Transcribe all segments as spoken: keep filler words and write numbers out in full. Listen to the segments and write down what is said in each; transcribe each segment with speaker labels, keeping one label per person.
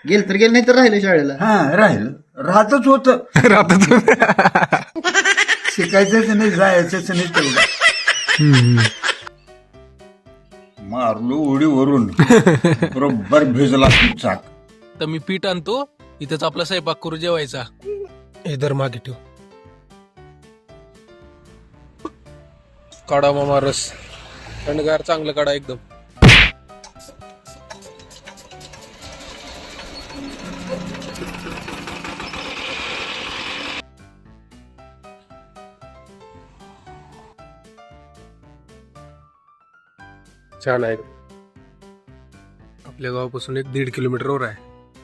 Speaker 1: गेल तर गेल नाही तर राहिलं शाळेला.
Speaker 2: हा राहिलं राहतच होत
Speaker 3: राहतच
Speaker 2: शिकायचंच नाही जायचंच नाही तेवढं. मारलो उडीवरून बरोबर भिजला चाक.
Speaker 4: तर मी पीठ आणतो, इथंच आपला स्वयंपाक करू जेवायचा. हे दर मागे ठेव. काढा मामा रस, थंडगार चांगलं काढा एकदम. छान आहे. आपल्या गावापासून एक दीड किलोमीटरवर आहे.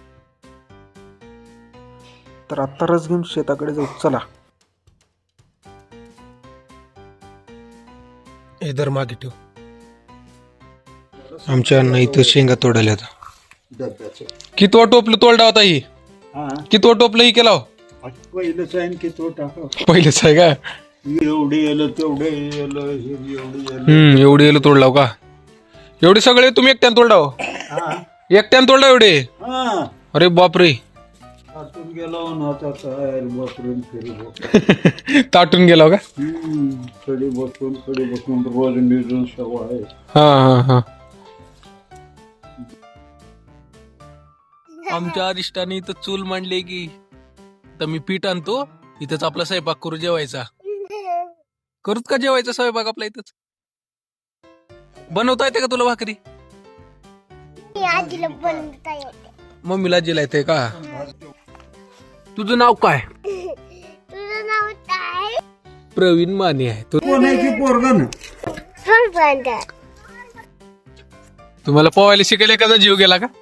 Speaker 4: तर आत्ता रस घेऊन शेताकडे जाऊ. चला. हे दर मागे ठेव. आमच्या अण्णा इथं शेंगा तोडायला आता. कितवा टोपलं तोडला होता ही? कितवा टोपलं ही केला?
Speaker 2: पहिलंच आहे की तो टाका.
Speaker 4: पहिलेच आहे का?
Speaker 2: एवढे येलं तेवढे येलं एवढे
Speaker 4: हम्म एवढे येलं तोडलाव का? एवढे सगळे तुम्ही एकट्यानं तोडलाव? एकट्यानं तोडला एवढे?
Speaker 2: हा
Speaker 4: अरे बापरे.
Speaker 2: ताटून गेला आता काय बसरून फिरी
Speaker 4: ताटून गेला का?
Speaker 2: खडी बसून खडी बसून रोज निजून सवय आहे.
Speaker 4: हा हा हा. आमच्या अरिष्टाने इथं चूल मांडली की, तर मी पीठ आणतो, इथंच आपला स्वयंपाक करू जेवायचा. करूत का जेवायचा स्वयंपाक आपला इथंच? बनवता येते का तुला भाकरी? मम्मीला आजीला येते का? तुझं नाव काय?
Speaker 5: तुझं नाव काय?
Speaker 4: प्रवीण माने आहे. तू
Speaker 2: कोणाची पोरगा ना
Speaker 4: तुम्हाला पोहायला शिकायला एखादा जीव गेला का?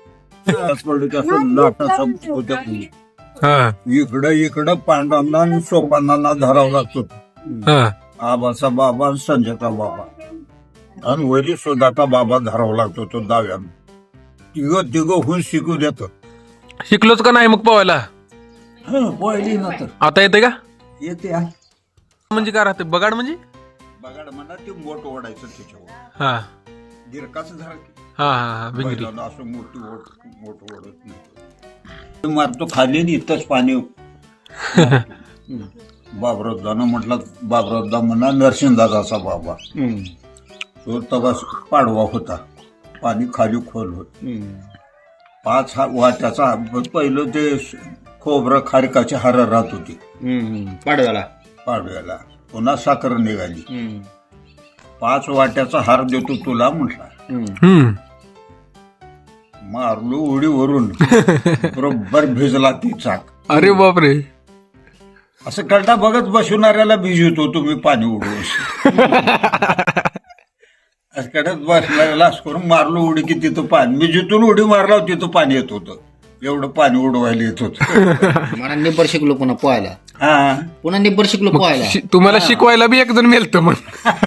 Speaker 4: हा
Speaker 2: इकडं इकडं पांडवांना आणि सोपानांना धरावं लागतो.
Speaker 4: हा
Speaker 2: आबाचा बाबा आणि संजयचा बाबा आणि वरी सुद्धाचा बाबा धरावा लागतो तो दाव्यानं. तिघं तिघं होऊन शिकू देत.
Speaker 4: शिकलोच का नाही मग पोहायला?
Speaker 2: पहिली ना तर
Speaker 4: आता येते का?
Speaker 2: येते आहे.
Speaker 4: म्हणजे काय राहते बगाड म्हणजे?
Speaker 2: बघाड म्हणा ते मोठ ओढायचं त्याच्यावर
Speaker 4: हा
Speaker 2: गिरकाच धरा
Speaker 4: हा हा भिंगरी.
Speaker 2: बैलाला असं मोठी ओढ मोठ ओढत नाही. मारतो खाली आणि इथंच पाणी. बाबरोद्दानं म्हटलं बाबरोद्दा म्हणा नरसिंहदादाचा बाबा तो तवा पाडवा होता. पाणी खाली खोल होत. पाच हा वाट्याचा पहिलं ते खोबरं खारकाची हार राहत होती
Speaker 1: पाडव्याला
Speaker 2: पाडव्याला. पुन्हा साखर निघाली. पाच वाट्याचा हार देतो तुला म्हटला.
Speaker 4: हम्म
Speaker 2: मारलो उडीवरून बरोबर भिजला ती चाक.
Speaker 4: अरे बापरे.
Speaker 2: असं कळता बघत बसवणाऱ्याला भिजवतो तुम्ही पाणी उडवून. असं कळत बसणाऱ्याला असं करून मारलो उडी की तिथं पाणी. मी जिथून उडी मारला तिथं पाणी येत होतं. एवढं पाणी उडवायला येत होतं.
Speaker 1: मला निब्बर शिकलो पुन्हा पोहायला.
Speaker 2: हा
Speaker 1: पुन्हा निब्बर शिकलो पोहायला.
Speaker 4: शि- तुम्हाला शिकवायला बी एक जण मिळतं मग.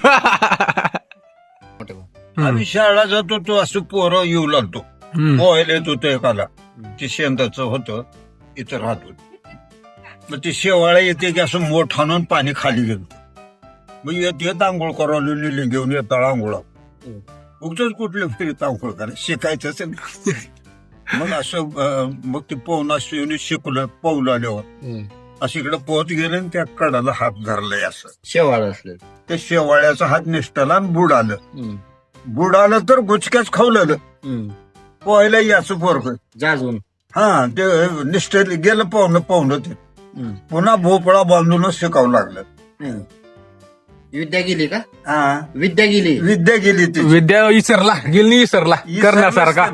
Speaker 2: आम्ही शाळा जात होतो असं पोरं येऊ लागतो. पोहायला येत होतं एकाला. ते शेंदाचं होतं इथं राहत होत. मग ते शेवाळा येते की असं मोठ आणून पाणी खाली गेलं. मग येत येत आंघोळ करावं लिहिली घेऊन येतात आंघोळा. उगच कुठले फिरत आंघोळ करायचं शिकायचंच नाही. मग असं अं, मग ते पोहणं असं शिकलं पोहलं आल्यावर असं इकडे पोहत गेलं आणि त्या कडाला हात धरलाय असं.
Speaker 1: शेवाळ असलं
Speaker 2: त्या शेवाळ्याचा हात निष्ठला आणि बुड आलं. बुड आलं तर गुचक्याच खावलं. पोहायला याचं पोरग
Speaker 1: जाजून
Speaker 2: हा ते निष्ठ गेलं पाहुणं पाहुणं ते पुन्हा भोपळा बांधूनच शिकावं लागलं.
Speaker 1: विद्या गेली का?
Speaker 2: हा
Speaker 1: विद्या गेली.
Speaker 2: विद्या गेली ती
Speaker 4: विद्या विसरला गेली विसरला करण्यासारखा.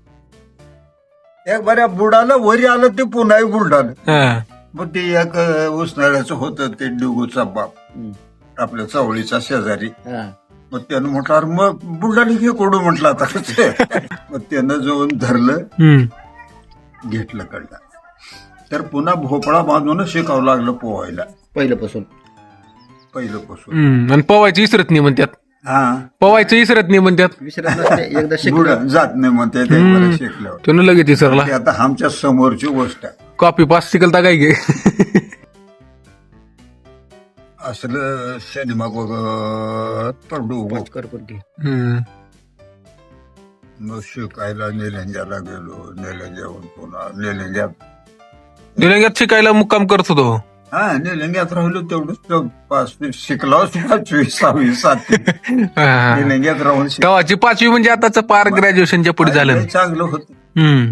Speaker 2: एक बऱ्या बुडालं वरी आलं ते पुन्हा बुलडालं.
Speaker 4: हा.
Speaker 2: मग ते एक उसनाळ्याचं होतं ते डिगूचा बाप आपल्या चवळीचा शेजारी.
Speaker 1: हा.
Speaker 2: मग त्यानं म्हटलं अरे मग बुलडाली घे कोडू म्हटलं आता. मग त्यानं जाऊन धरलं
Speaker 4: हम्म
Speaker 2: घेतलं कडला. तर पुन्हा भोपळा बांधूनच शिकावं लागलं पोहायला
Speaker 1: पहिल्यापासून.
Speaker 2: पहिल्यापासून.
Speaker 4: हम्म आणि पवायचं इसरत नाही म्हणतात.
Speaker 2: हा
Speaker 4: पवायचं इसरत नाही म्हणतात.
Speaker 1: विसरत नसते एकदा
Speaker 2: बुड
Speaker 1: शिकलं.
Speaker 2: जात नाही म्हणते ते बरं शिकल्यावर.
Speaker 4: त्यानं लगेच इसरला.
Speaker 2: ते आता आमच्या समोरची गोष्ट आहे.
Speaker 4: कॉपी पास शिकलता काय गे.
Speaker 2: असलं सिनेमा बघत पडू
Speaker 1: कर पण घे.
Speaker 4: हम्म
Speaker 2: मग शिकायला निलंग्याला गेलो. निलंग्याहून पुन्हा निलंग्यात
Speaker 4: निलंग्यात शिकायला मुक्काम करत होतो.
Speaker 2: हा निलंग्यात राहिलो तेवढंच तो पाच शिकलो पाचवी सहावी सातवी
Speaker 4: हा.
Speaker 2: निलंग्यात राहून शिक-
Speaker 4: तेव्हाची पाचवी म्हणजे आताच पार ग्रॅज्युएशनच्या पुढे झालं.
Speaker 2: लय चांगलं होतं.
Speaker 4: हम्म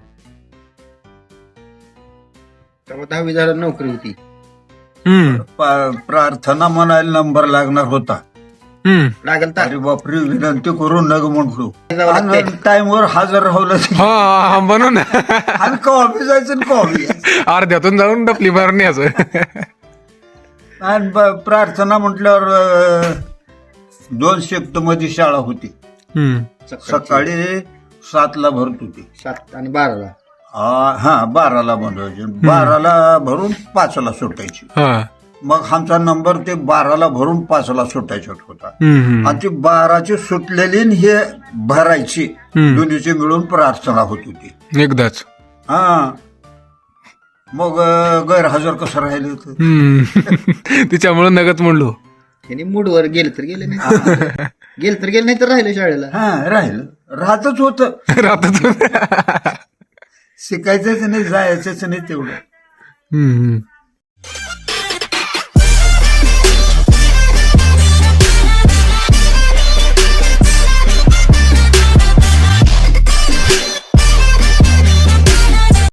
Speaker 1: तेव्हा दहावी झाला नोकरी होती.
Speaker 4: हम्म
Speaker 2: पा- प्रार्थना म्हणायला नंबर लागणार होता.
Speaker 4: हम्म
Speaker 1: लागल तर
Speaker 2: अरे बापरे विनंती करून नग म्हटलो.
Speaker 1: जावं लागतंय.
Speaker 2: टाइमवर हजर राहलं
Speaker 4: हा हा, म्हणून
Speaker 2: आणि कॉफी जायचं कॉफी
Speaker 4: अर्ध्यातून जाऊन डपली मारून यायचं.
Speaker 2: आणि ब- प्रार्थना म्हटल्यावर अं, दोन शिफ्ट मध्ये शाळा होती.
Speaker 4: हम्म
Speaker 2: सकाळी सातला भरत होती.
Speaker 1: सात आणि बाराला
Speaker 2: आ, हा बाराला बनवायची. बाराला भरून पाचला सुटायची.
Speaker 4: हा
Speaker 2: मग आमचा नंबर ते बाराला भरून पाचला सुटायचा होता.
Speaker 4: हम्म हम्म
Speaker 2: आणि ती बाराची सुटलेली आणि हे भरायची
Speaker 4: हम्म.
Speaker 2: दोन्हीची मिळून प्रार्थना होत होती.
Speaker 4: एकदाच.
Speaker 2: हा मग अं, गैरहजर कसं राहिले होतं.
Speaker 4: हम्म तिच्यामुळे नगत म्हणलो.
Speaker 1: त्यांनी मूडवर गेले तर गेले नाही गेले तर गेले नाही तर राहिले शाळेला.
Speaker 2: हा राहिलं राहतच होतं.
Speaker 4: राहतात.
Speaker 2: शिकायचंच नाही जायचंच नाही तेवढं.
Speaker 4: हम्म